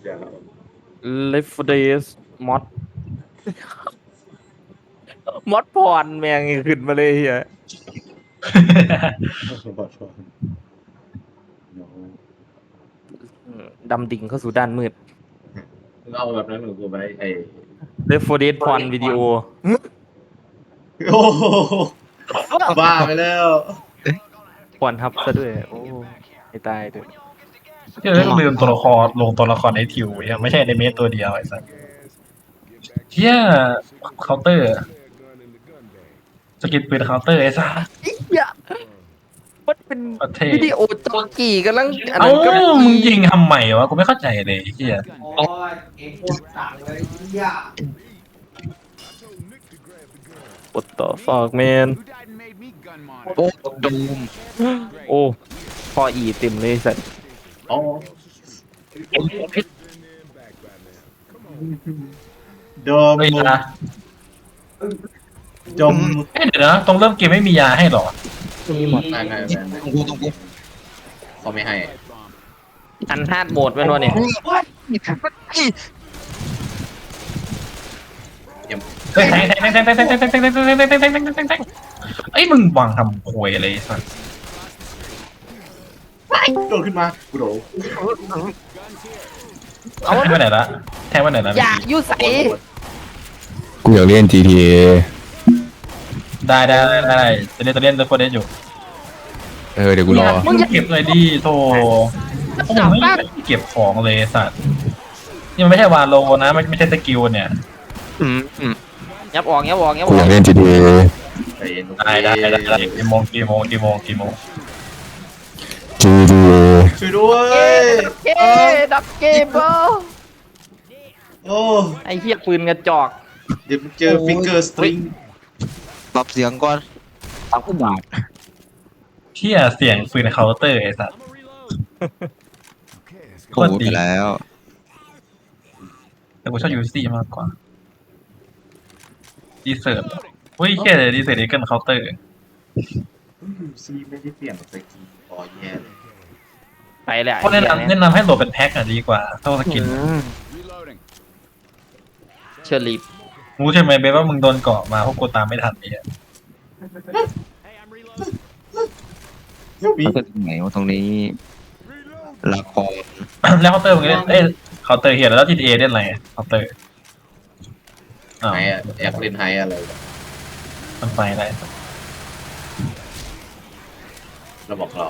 Left 4 Dead มอดมอดพรแม่งขึ้นมาเลยเฮียดำดิ่งเข้าสู่ด้านมืดเอาแบบนั้นหนูกูไปไอ้ Left 4 Dead พรวิดีโอโอ้โหบ้าไปแล้วพรทับซะด้วยโอ้ไม่ตายด้วยที่เราลืมตัวละครลงตัวละครในทิวยังไม่ใช่ในเมสตัวเดียวไอ้สัสเฮียเคาน์เตอร์สกิลปืนเคาน์เตอร์ไอ้สัสมันเป็นประเทศวิดีโอจอกี่กำลังอันเอ้านั้นก็มึงยิงทำใหม่วะกูไม่เข้าใจเลยเฮียโอ้ยเองโคตรต่างเลยย่าปวดต่อฟอกแมนโอ้ดูมโอ้พออีเต็มเลยสัตว์อ๋อดมเฮ้ยนะจมเอ้ยเดี๋ยวนะตรงเริ่มเกมไม่มียาให้หรอไม่ตรงกูเขาไม่ให้อันฮาร์ดโหมดเป็นวะเนี่ยเฮ้ยแทงไอ้มึงวางทำควยอะไรสัสโดดขึ้นมากูโดดแทงไปไหนละแทงไปไหนละอย่ายุ่ใส่กูอยากเล่น GTA ได้จะเล่นตัวเล่นอยู่เดี๋ยวกูรอมึงเก็บเลยดิโธ่ผมไม่เก็บของเลยสัตว์นี่มันไม่ใช่วาโลนะไม่ใช่สกิลเนี่ยยับออกกูอยากเล่น GTA ใจเย็นได้กี่โมง GTA ช่วยด้วยเกดับเกมเบอร์โอ้ไอ้เหี้ยปืนกระจอกเดี๋ยวเจอฟิงเกอร์สตริงปรับเสียงก่อนตั้งผู้บาทเที่ยเสียงปืนเคาน์เตอร์ไอ้สัตว์โอ้ไปแล้วแต่กูชอบยูซี่มากกว่าดีเซิร์ตเฮ้ยแค่ดีเซิร์ตเอกเกิลเคาน์เตอร์ซีไม่ได้เปลี่ยนสกินอ๋อแย่เลยไปแหละก็แนะนำให้โหลดเป็นแพ็คอะดีกว่าเท่าสกินเชอร์ลีฟรู้ใช่ไหมเบสว่ามึงโดนเกาะมาพวกกูตามไม่ทันเนี่ยมีมันก็ตรงไหนวะตรงนี้ละครแล้วเคาน์เตอร์มึงเล่นเคาน์เตอร์เฮียแล้ว GTA เล่นอะไรเคาน์เตอร์อ้าวไฮอะอยากเล่นไฮอะไรมันไปได้เราบอกเรา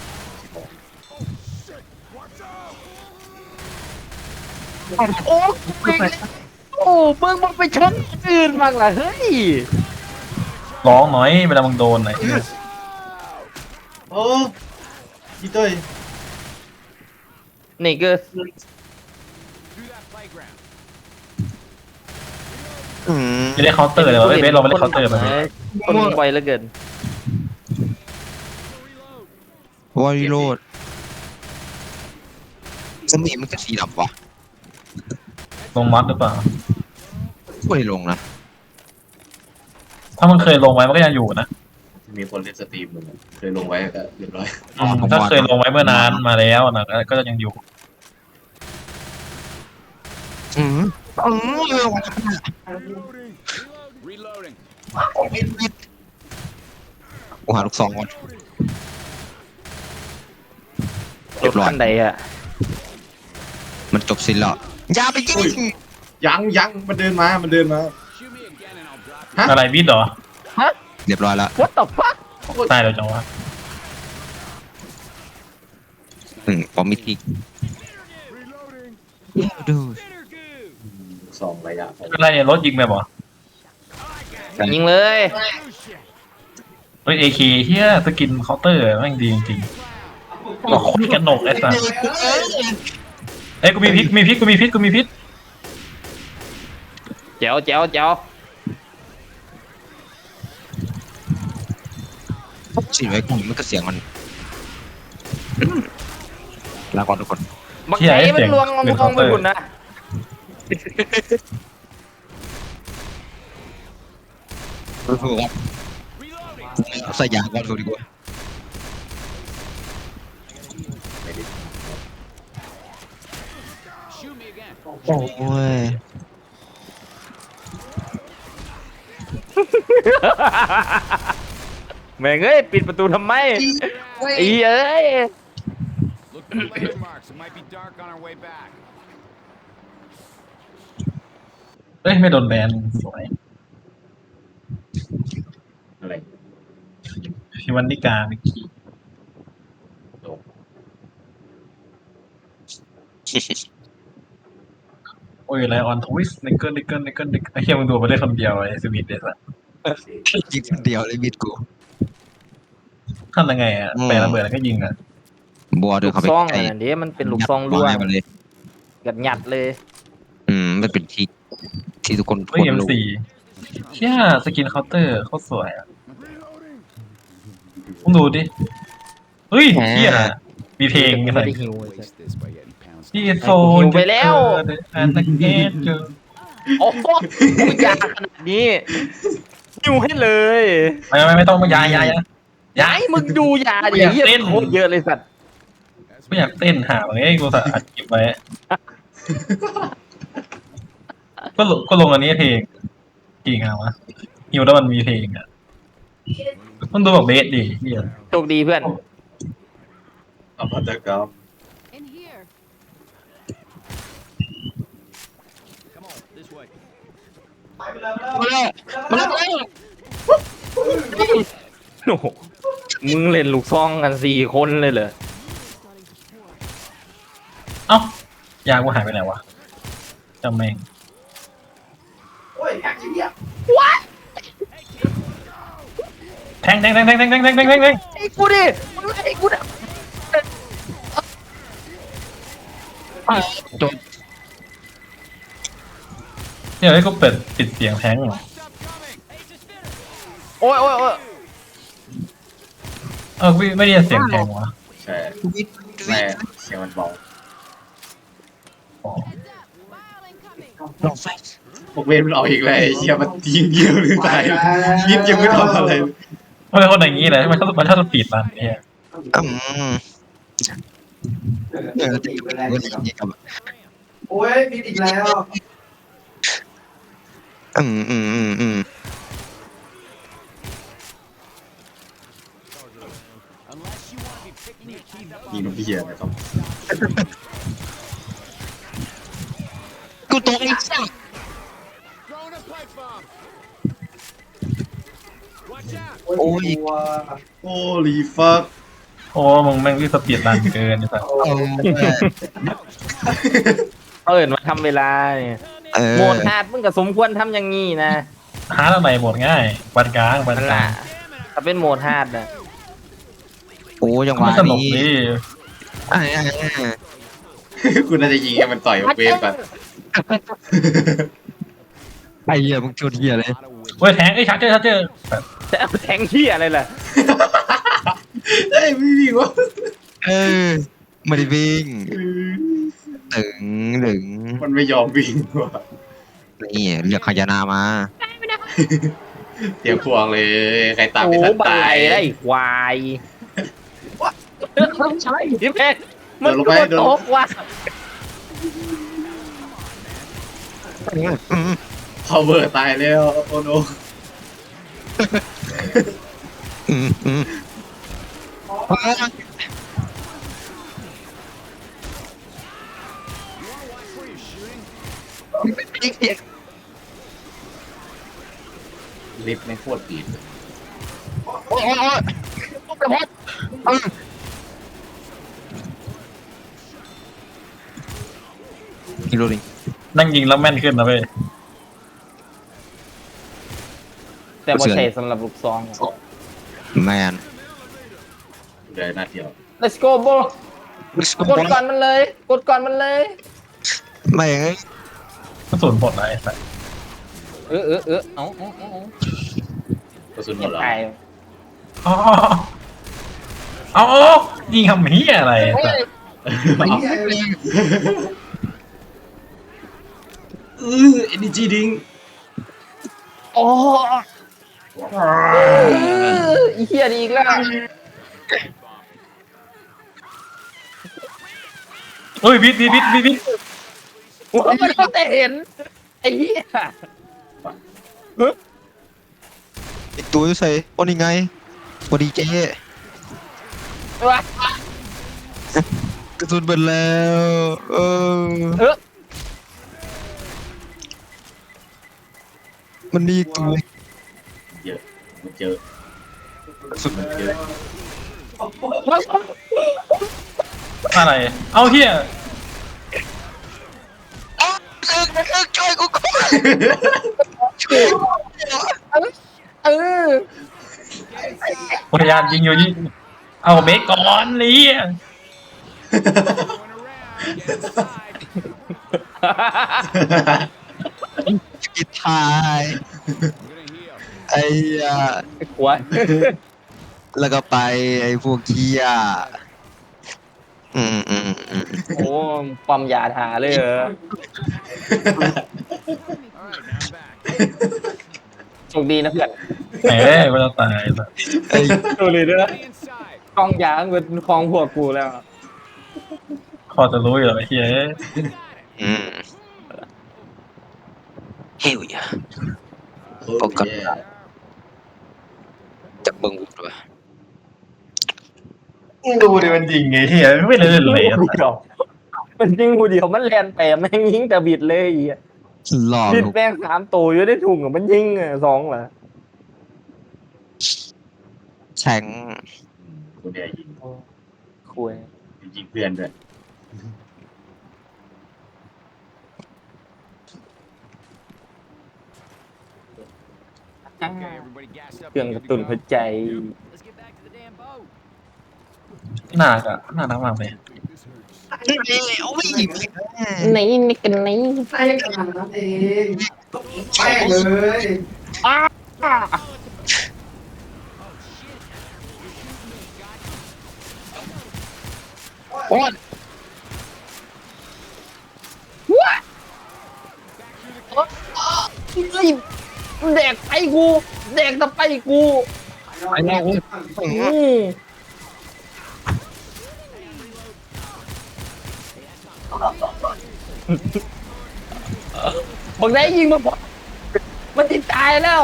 โอ้โอ้มึงไปชนอื่นบ้างล่ะเฮ้ยร้องหน่อยเวลามึงโดนหน่อยโอ้พี่เต้ยนี่ก็ไม่ได้เคาน์เตอร์เลยวะเบสเราไม่ได้เคาน์เตอร์มาคนไวเหลือเกินวาริโรดสมีมันก็สีดำวะลงมัดหรือเปล่าไม่ลงนะถ้ามันเคยลงไว้มันก็ยังอยู่นะมีคนเล่นสตรีมมึงเคยลงไว้ก็เรียบร้อยถ้าเคยลงไว้เมื่อนานมาแล้วนะก็จะยังอยู่กูหาลูกซองก่อนรถคันใดอะมันจบสิ้นแล้วอย่าไปยิงยังมันเดินมาอะไรวิดเหรอเรียบร้อยแล้ว What the fuck ตายแล้วจังวะพอมิทิกดูสองระยะอะไรเนี่ยรถยิงแบบเหรอยิงเลยเฮ้ย AK เฮียสกินเคาน์เตอร์แม่งดีจริงๆบอกโคตรกระหนกไอ้สัสเอ้ยกูมีพิษแจ๋วสิไว้กูมันก็เสียงมันลาก่อนทุกคนบักไหนมันลวงมองไปคุณนะสู้ครับใส่ยาก่อนสู้ดีกว่าไม่ได้โอ้ยแม่งเอ้ยปิดประตูทำไมไอ้เอ้ย Look for landmarks. It might be dark on our way back. เอ้ยไม่โดนแบนสวยอะไรพิวันนิกาเมื่อกี้โอ้ยไลออนทวิสนิกเกิลไอ้เหี้ยมึงดูมาได้คนเดียวไอ้สวิตเดสอะยิงคนเดียวเลยมิดกูทำยังไงอะแปลระเบิดแล้วก็ยิงอะบัวเดิลูนกเข้าไปซองใกล้อันนี้มันเป็นลูกซองล่วงยัดไม้มันเลยกันหยัดเลยมันเป็นที่ทุกคนเฮ้ยรู้ M4 เชี่ยสกินเคาน์เตอร์โคตรสวยอะมึงดูดิเฮ้ยเชี่ยมีเพลงไม่อะไรได้หิว Waste this by getting pounced. ที่โซหิวไปแล้วอันตะเกตเจอโอ้โหกูยาขนาดนี้หิวให้เลยไม่ต้องมายายย้ายมึงดูยาดิอยากเหี้ยเต้นโคตรเยอะเลยสัตว์ไม่อยากเต้นหาเลยไอ้กูสะอัดเก็บไว้ก็ลงอันนี้เพลงกี่งานวะฮิวแล้วมันมีเพลงอ่ะต้องดูแบบเบสดิเฮียโชคดีเพื่อนอภัตกรรม In here. Come on, this way. มาแล้วมาแล้วโอ้โหมึงเล่นลูกซองกัน4 คนเลยเหรอเอ้ายากูหายไปไหนวะจำแม่งโอ้ยแท็กซี่อ่ะแทงไอ้กูดิมึงไอ้กูดิจบเดี๋ยวให้กูปิดเสียงแทงหรอโอ้ยโอ้ยโอ้ยไม่ได้ยินเสียงแทงวะใช่วิทแม่เสียงมันเบาอ๋อลองไฟพวกเวรมันออกอีกแล้วไอ้เหี้ยมันยิงเดียวเลยตายยิงยังไม่ทำอะไรเลยมันเป็นคนอย่างนี้เลยมันชอบสปีดรันเนี่ยจะอยู่กันอย่างนี้กับโอ้ยมีอีกแล้วอืม Unless you want to be picking your teeth up ยิง on น้ำเหี้ยนะครับกูตกไอ้สัส throwing a pipe bomb. Watch out. โอ้ยโอ้ลีฟักโอ้มึงแม่งรีบสปีดรันเกินไอ้สัสเอิญมาทำเวลาเนี่ยโหมดฮาร์ดมึงก็สมควรทำอย่างงี้นะหาอะไรหมดง่ายวันกลางวันนั่นกลาล่ะงถ้าเป็นโหมดฮาร์ดนะโอ้ยังหไม่วะสนุกนี้ดิกูน่าจะยิงให้มันต่อยกับเวรก่อนไอ้เหี้ยมึงชนเหี้ยเลยเว้ยแทงชาร์เจอร์จะเอาแทงที่อะไรล่ะเฮ้ยไม่วิ่งวะไม่ได้วิ่งถึงมันไม่ยอมวิ่งว่ะนี่เรียกขยานามาเตรียมพวงเลยใครตามโอ้ไม่ทันบาตายยได้ควายใช่ที่แม่มันเดินลงโดไปนตกว่ะพาวเวอร์ตายแล้วโอ้โน ลิฟต์ไม่งโคตรดีดเลยกิโลนึงนั่งยิงแล้วแม่นขึ้นนะเว้ยแต่บ่ใช่สำหรับลูกซองแมนเดี๋ยวหน้าเดียว let's go bro กดก่อนมันเลย กดก่อนมันเลยไม่งกระสุนหมดเลยไอ้สัสเอากระสุนหมเงียดบแล้วไปอ๋อเอายิงทำเฮียอะไรไอ้สัสเอ็นจีดิงโอ้อีเหี้ยดีอีกแล้วเฮ้ยบิดโว่ามันต้องแต่เห็นไอ้เหี้ยไอตัวใส่โอ้นี่ไงพอดีเจ๊ว่ากระสุนเบิดแล้วมันมีอีกตัวเยอะมันเจอกระสุนเยอะอะไรเอาเฮียช่วยกูก่อนเออพยายามยิงอยู่ยิงเอาเบรกก่อนนี่ Going around. Get inside. กิดทาย I'm gonna heal. ไอ้ไอ้ขวายแล้วก็ไปไอ้พวกเคียโอ้ปั๊มยาทาเลยเหรอ All right, now I'm back. โชคดีนะเพื่อนแหมมันจะตายแบบไอ้ดูเลยด้วย Stay inside. กองยาเป็นคลองพวกกูแล้วพอจะรู้อยู่ไอ้เฮียเฮ้ยปกติจากเบิ้งวุดวะดูดิมันยิงไงเฮียไม่เลยเลยเดียวมันยิงกูเดียวมันแลนไปแม่งยิงแต่บิดเลยไอ้เหี้ยหล่อบิดลูกแม่ง3 ตัวอยู่ได้ถุงอะมันยิงอะ2เหรอแข็งคนเดียวยิงคุยยิงเพื่อนด้วย Okay, everybody gassed up. เครื่องกระตุ้นหัวใจ Let's get back to the damn boat. หน้าก็น่ารักมากเลยโอ้ยนี่กันนี่ใช่ขนาดนั้นเองแป้งเลยโอ้ยแดกไปกูแดกตะไปกูไอ้เนี่ยโอ้ยบอกได้ยิงมาบอกมันติดตายแล้ว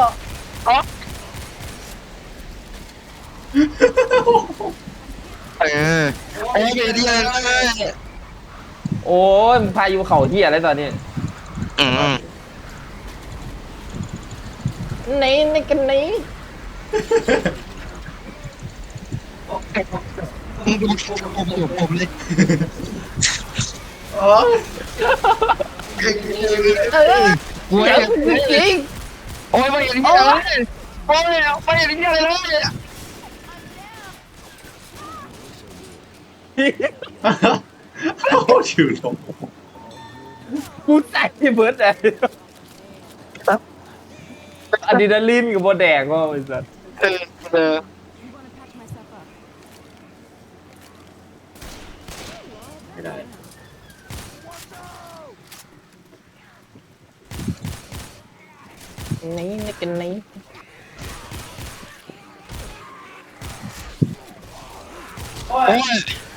โอ้ยเดียวเลยโอ้ยพายุเข่าเที่ยอะไรตอนนี้นี่กันนี่ผมเลยโอ้ยกูเดี๋ยวจริงโอ้ยไม่เห็นที่อะไรเลยโอ้ยไม่เห็นที่อะไรเลยโอ้ชิวลงกูใส่เบิร์ดเลยอะดรีนาลีนกับโบแดกว่าไอ้สัสเออไม่ได้นี่กันนี่โอ้โอ้ยย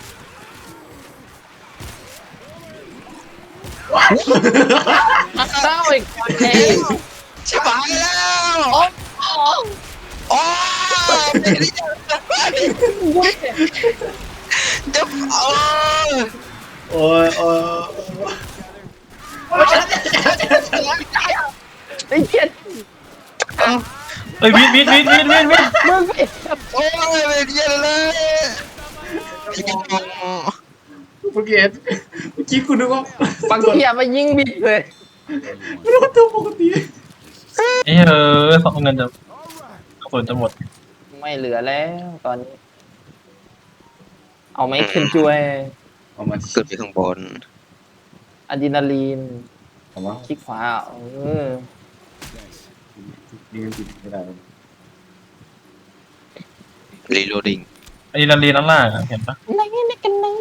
เศร้าอีกคนเองชิบหายแล้วโอ้ยจะโอ้ยโอ้ยไอ้เหี้ยเฮ้ยวินมึงไปโอ้ยไม่เดียวเลยเมื่อกี้คุณนึกว่าบางทีมายิงบิดเลยรถตัวปกติไอ้สองเงินจะส่วนจะหมดไม่เหลือแล้วตอนนี้ เอาไหมขึ้นช่วยเอามาขึ้นไปข้างบนอะดรีนาลีนเอามาคลิกขวา嗯นี่มันติดไม่ได้รีโหลดดิ้งไอ้นาลีนั่นล่างเห็นปะนี่กันนี่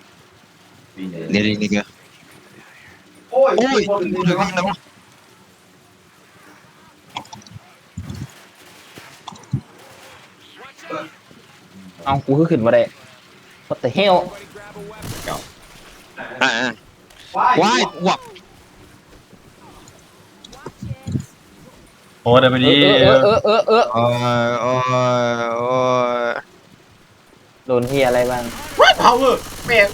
นี่ก็โอ้ยโอ้ยคนดูเลยวะเอากูคือขึ้นมาได้ What the hell Everybody grab a weapon. อ่าว้ายว้ายวับอ้เดี๋ยวไปดีโอ้ยโอ้ยโอ้ยโดนเฮียอะไรบ้างว้าย power แม่ง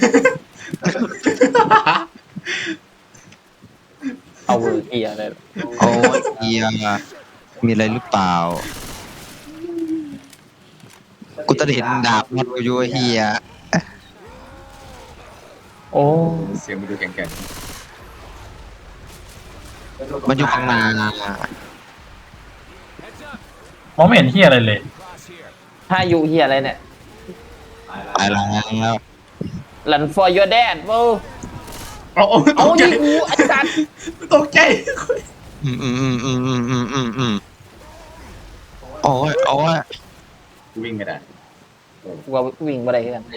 เอาเวอร์เฮียอะไรโอ้ยเฮียมีอะไรหรือเปล่ากูจะเห็นดาบมันกูอยู่ไอ้เฮียโอ้เสียงมันดูแข็งมันอยู่ข้างหน้ามองไม่เห็นเฮียอะไรเลยถ้าอยู่เฮียอะไรเนี่ยไปแล้ว Run for your dad เว้ยๆเอาตเอากใจดิกูไอ้สัตว์ตกใจโอ้ยโอ้ยวิ่งไม่ได้กูว่าวิ่งมาได้กันมัน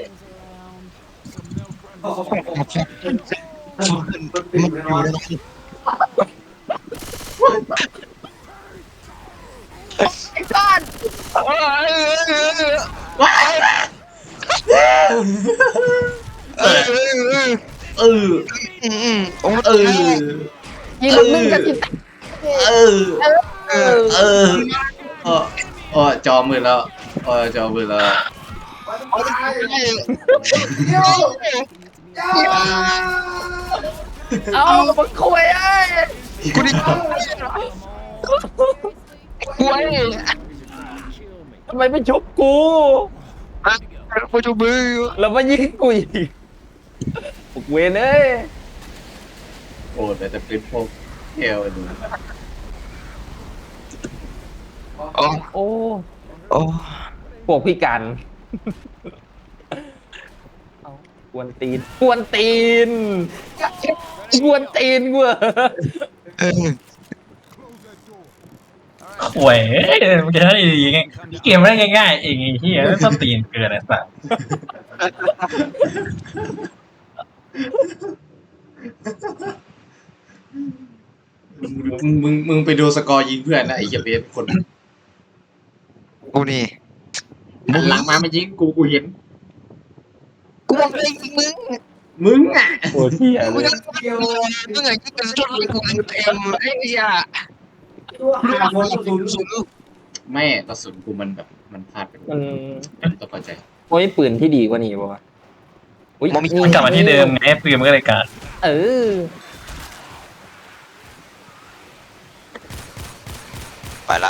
อยู่ในนั้นเออโอ้ยเออยิงมันมึงกันจิตเออ จอมือแล้วจอมือแล้วเอามาคุยไอ้กูดิกูไอ้ทำไมไม่ชุบกูกูจูมือแล้วมายิงกูอีกพวกเวนเอ้ยโอ้แต่จะเป็นพวกเอลดูโอ้โอ้โอ้พวกพิการเอากวนตีนกวนตีนกวนตีนกูเหรอเออข่วยมันจะได้ยังไงเกมมันได้ง่ายๆเองไอ้เฮียไม่ต้องตีนเกินไอ้สัสมึงไปดูสกอร์ยิงเพื่อนนะไอ้เหี้ยเบสคนกูนี่หันหลังมาไม่ยิงกูเห็นกูบอกเลยมึงมึงอ่ะโอ้ที่อะมึไรงมึงไงกูเป็นชนกูเต็มไอ้เหี้ยไม่กระสุนกูมันแบบมันพลาดไปมันต้องเข้าใจโอ้ยปืนที่ดีกว่านี้ป่ะอุ้ยมันกลับมาที่เดิมไงปืนมันก็เลยการเออไปละ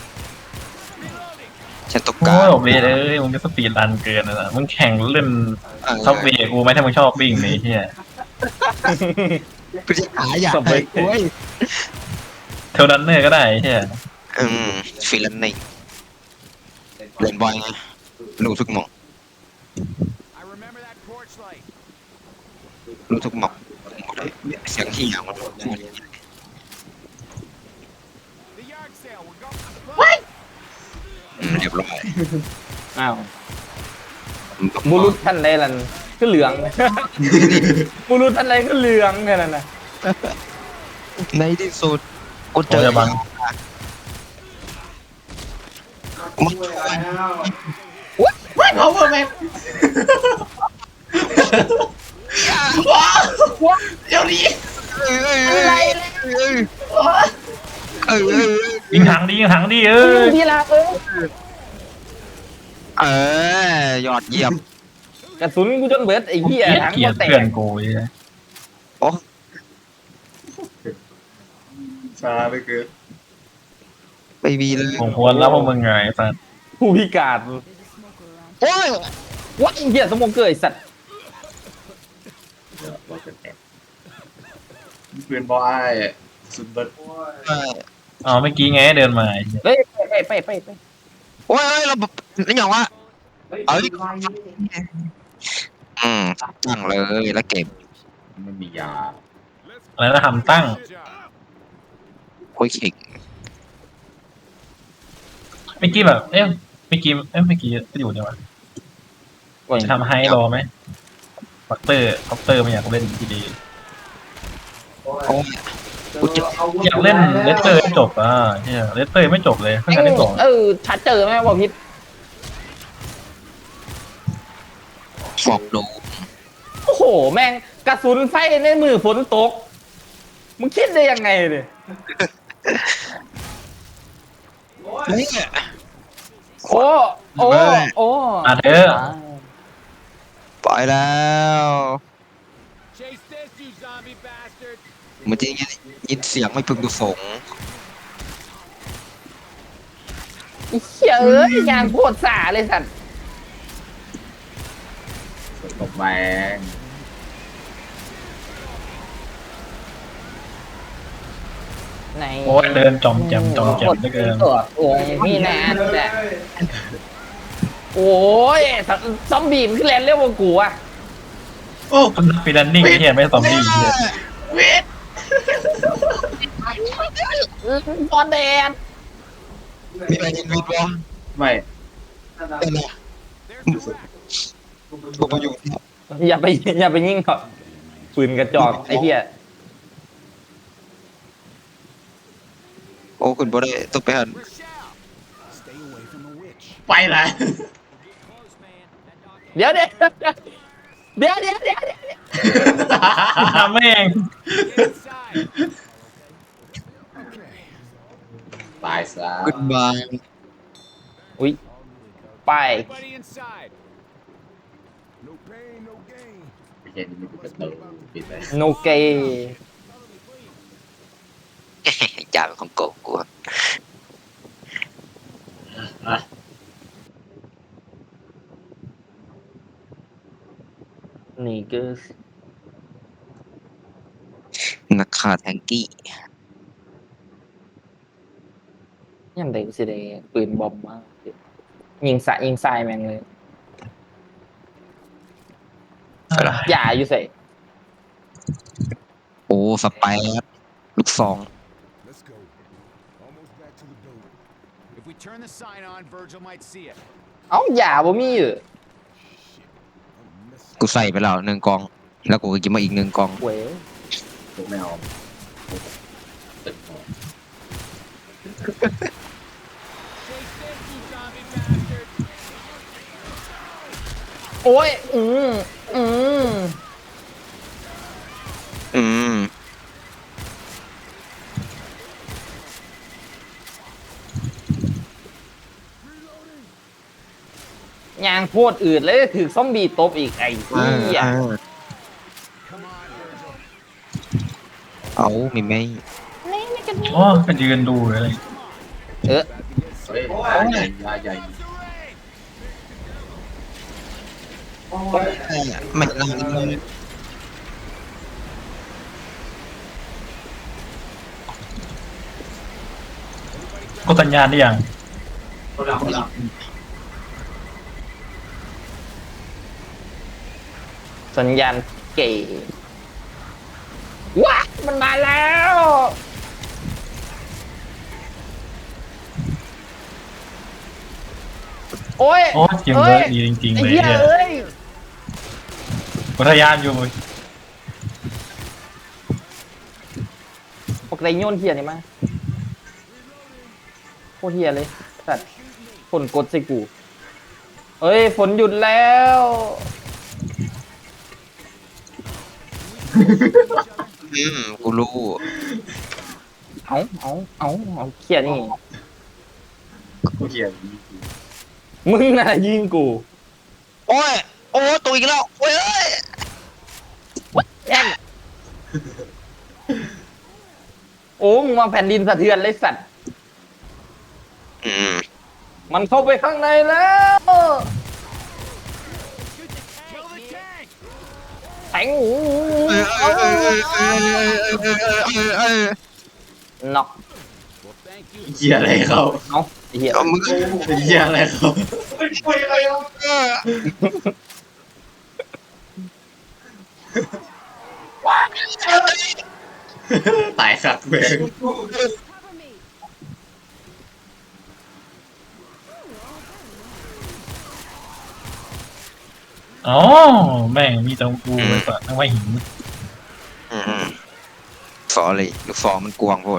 ฉันตกโอ้กายโอเบเลยมึงก็สปีดรันเกินนะมึงแข่งเล่นซับเวย์กูไหมถ้ามึงชอบวิ่งไอ้เฮียกูจะหาอยากให้กูเทลดันเนอร์ก็ได้ไอ้เฮียฟิลันนี่เล่นบอยไงรู้ทุกหมอง I remember that porch light. รู้ทุกหมองเสียงที่อย่างมัน The yard sale. We're going. เรียบร้อยอ้าวบุรุษท่านใดล่ะก็เหลือง บุรุษท่านใดก็เหลืองแค่นั้นนะในที่สุดกูเจโอ้อยบังมึงว้าย power แม่งเดี๋ยวนี้ยิงถังดิยิงถังดิพี่ลายอดเยี่ยมกระสุนกูจนเบิดไอ้เหี้ยถังเกลียก็ดแตเพื่อนกกูไอ้เหี้ยโอ้ช้าเหลยคือไม่มีเลยผมควรแล้วพวกมึงไงไอ้สัสผู้พิการโอ้ยวัดไอ้เหี้ยสมองเกยสัตว์ปืนบอไอ้สุดเบิร์ดอ๋อเมื่อกี้ไงเดินมาไอ้เหี้ยเฮ้ยไปโอ้ยเรานี่อย่างวะตั้งเลยแล้วเก็บมันมียาอะไรนะทำตั้งคุยขิงเมื่อกี้แบบเมื่อกี้ก็อยู่เนี่ยวะก่อนจะทำให้รอไหมคอปเตอร์ไม่อยากเล่นทีดีโอ้ยกูจะอยากเล่นเลสเตอร์ให้จบอ่ะเนี่ยเลสเตอร์ไม่จบเลยเพิ่งกันได้สองชัดเจอไหมว่าพิษฟอกดูโอ้โหแม่งกระสุนไฟในมือฝนตกมึงคิดได้ยังไงเนี่ยเนี่ยโอ้โอ้โอ้มาเถอะไปแล้ว Chase this, you zombie bastard. มันจะยินเสียงไม่พึงประสงค์ไอ้เหี้ยเอ้ยยางโคตรสาเลยสัตว์ตกแรงไหนโอ้ยเดินจอมแจมเหลือเกินตัวโอ้ยพี่แนนแหละโอ้ยซอมบี้มันขึ้นแลนเรียกว่ากูอะโอ้คุณฟีดันนิ่งเฮียไม่ซอมบี้เฮียเวทบอลแดนมีอะไรยินวิทย์วะไม่เป็นไรผมมาอยู่อย่าไปยิงเขาปืนกระจอกไอ้เหี้ยโอ้คุณบ่ได้ต้องไปหัน Rochelle, stay away from the witch. ไปเลยเดี๋ยวทำแม่ง Get inside. Okay. ตายซะขึ้นมาอุ้ยไป Everybody inside. No pain, no gain. ไม่ใช่นี่มันเป็นประตูปิดเลยโนเกจ่าเป็นของโกกูอะอ่ะนี่ก็นักฆ่าแทงกี้ยังได้สิได้ปืนบอมมากยิงทรายแม่งเลยอย่าอยู่ใส่โอ้สไปร์ลูกซอง Let's go. Almost back to the boat. If we turn the sign on, Virgil might see it. เอ้าอย่าบ่มีอยู่ Shit. I'm missing. กูใส่ไปแล้ว1 กล่อง แล้วกูก็กินมาอีก1 กล่องเว้ยพวกไม่เอาตึกของ Chase this, you zombie bastard. โอ้ยอืมยางโคตรอืดเลยถือซอมบี้ตบอีกไอ้เหี้ย Come on, Virgil. เอามีไหมอ๋อก็ยืนดูอะไรเออเฮ้ยใหญ่ใหญ่ไม่ได้กดสัญญาณได้ยังสัญญาณเก๋ว้ามันมาแล้วโอ้ยโอ้จริงเลยดีจริงๆไอ้เลยเหี้ยเนี่ยเอ้ยกดสัญญาณอยู่ปกติโยนเทียนี่มาโคตรเทียเลยสัตว์ฝนกดใส่กูเอ้ยฝนหยุดแล้วกูรู้เอาเขียนี่กูเขียนมึงน่ะยิงกูโอ้ย โอ้ตัวอีกแล้ว โอ้ยเอ้ยแย่งโอ้มึงมาแผ่นดินสะเทือนเลยสัตว์อืมมันเข้าไปข้างในแล้ว Kill the tank. แทงหูน็อก Well, thank you. เหี้ยอะไรเขาเอาไอ้เหี้ยเอามึงเหี้ยอะไรเขาตายสักเบงอ๋อแม่งมีแต่กูเลยปะนั่งว่าหินอืมฟอเลยลูกฟองมันกวางโพด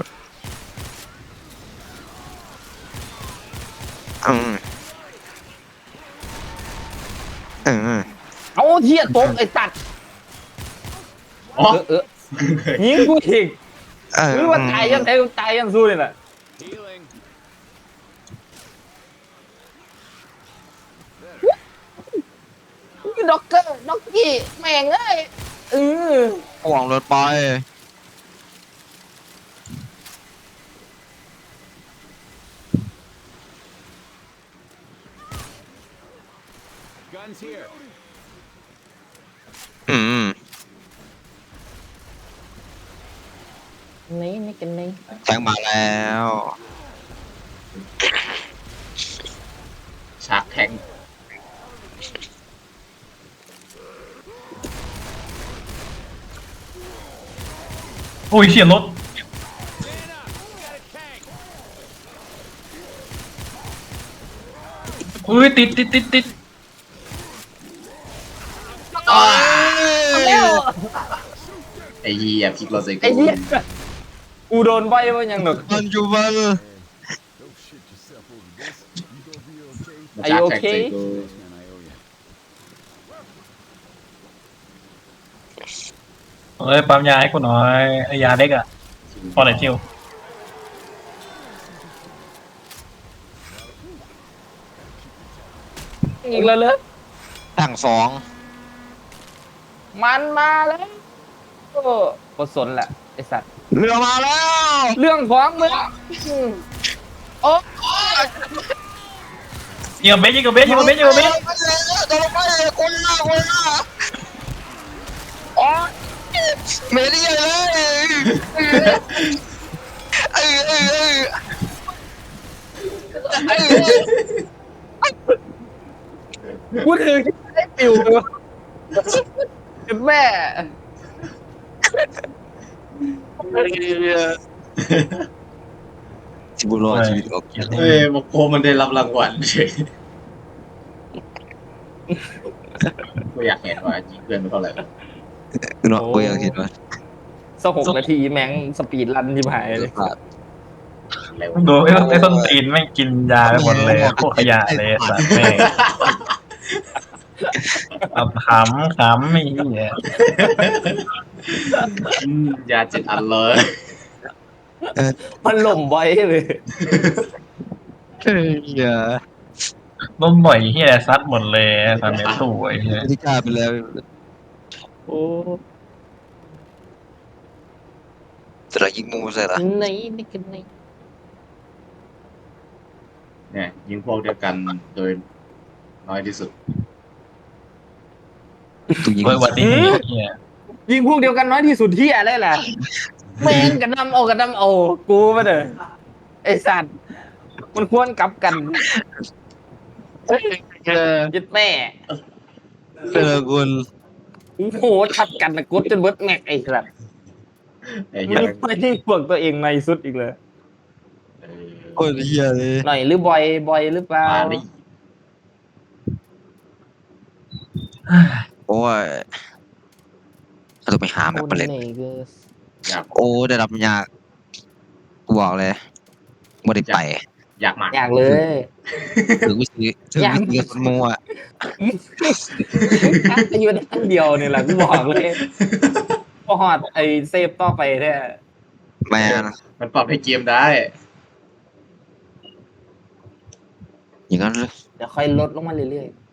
อืมอืมเอาเทียตกไอ้สัตว์อ๋อยิงกูอีกเออหรือว่าตายยังไงตายยังสู้เลยน่ะ Healing. ด็อกเกอร์ด็อกกี้แม่งเอ้ยอห่วงรถไป Guns here. อืมนี่กันนี่แทงมาแล้วฉากแทงโอ้ยเฉียดรถ Man up. We got a tank. อุ้ยติดแล้วไอ้เหี้ยพลิกเราใส่ไอ้กูเหี้ยกูโดนใบว่ายังหนกปัจจุบันมันฉากแทงใส่กู Man, I owe you. เอ้ยปั๊มยาให้กูหน่อยไอยาเล็กอะพอไหนทิวอีกแล้วเลยถังสองมันมาแล้วโอ้กดสนแหละไอสัตว์เรือมาแล้วเรื่องของมึงโอ้ยิงกับเบสยิงกับเบสโดนลงไปคนหน้าอ๋อเมลี่เลยเอ้ยกูถือไอ้ปิวเลยแม่ชิบุโร่ชีวิตออกเกียรติเฮ้ยโมโกมันได้รับรางวัลเฉยกูอยากเห็นว่ายิงเพื่อนมันเท่าไหร่เนาะกูยังคิดว่าสัก6 นาทีแม่งสปีดรันที่หายเลยเร็วดูไอ้ต้นตีนไม่งกินยาไปหมดเลยพวกขยะเลยสัตว์แม่งเอาขำไม่เหี้ยยา7 อันเลยมันหล่มไว้เลยอย่าล้มบ่อยเหี้ยซัดหมดเลยตอนนี้ตู้ไอ้เหี้ยที่กล้าไปแล้วโอ้จะได้ยิงมูใส่ละไหนนี่กันไหนเนี่ยยิงพวกเดียวกันโดยน้อยที่สุดตัวยิงเฮ้ยวันนี้เหี้ยยิงพวกเดียวกันน้อยที่สุดที่อะไรแหละแม่งกันนำเอากูมาเด้อไอสัตว์มันควรกลับกันยึดแม่เจอคุณโอ้โหทัดกันนะกดจนเบิดแม็กไอ้สัตว์ไอ้เหี้มัยนไม่ได้พวกตัวเองในสุดอีกเลยโคตรเฮียเลยหน่อยหรือบอยหรือเปล่ามาดิโอ้ยเราต้องไปหาแมปเปเล็กอยากโอ้ได้รับยากกูบอกเลยไม่ได้ไปอยากมากอยากเลยถึงวิธีคนมัวอยู่ในอันเดียวนี่แหละกูบอกเลยพอหอดไอเซฟต่อไปเนี่ยแม่นมันปรับให้เกมได้อย่างนั้นเลยเดี๋ยวค่อยลดลงมาเรื่อยๆ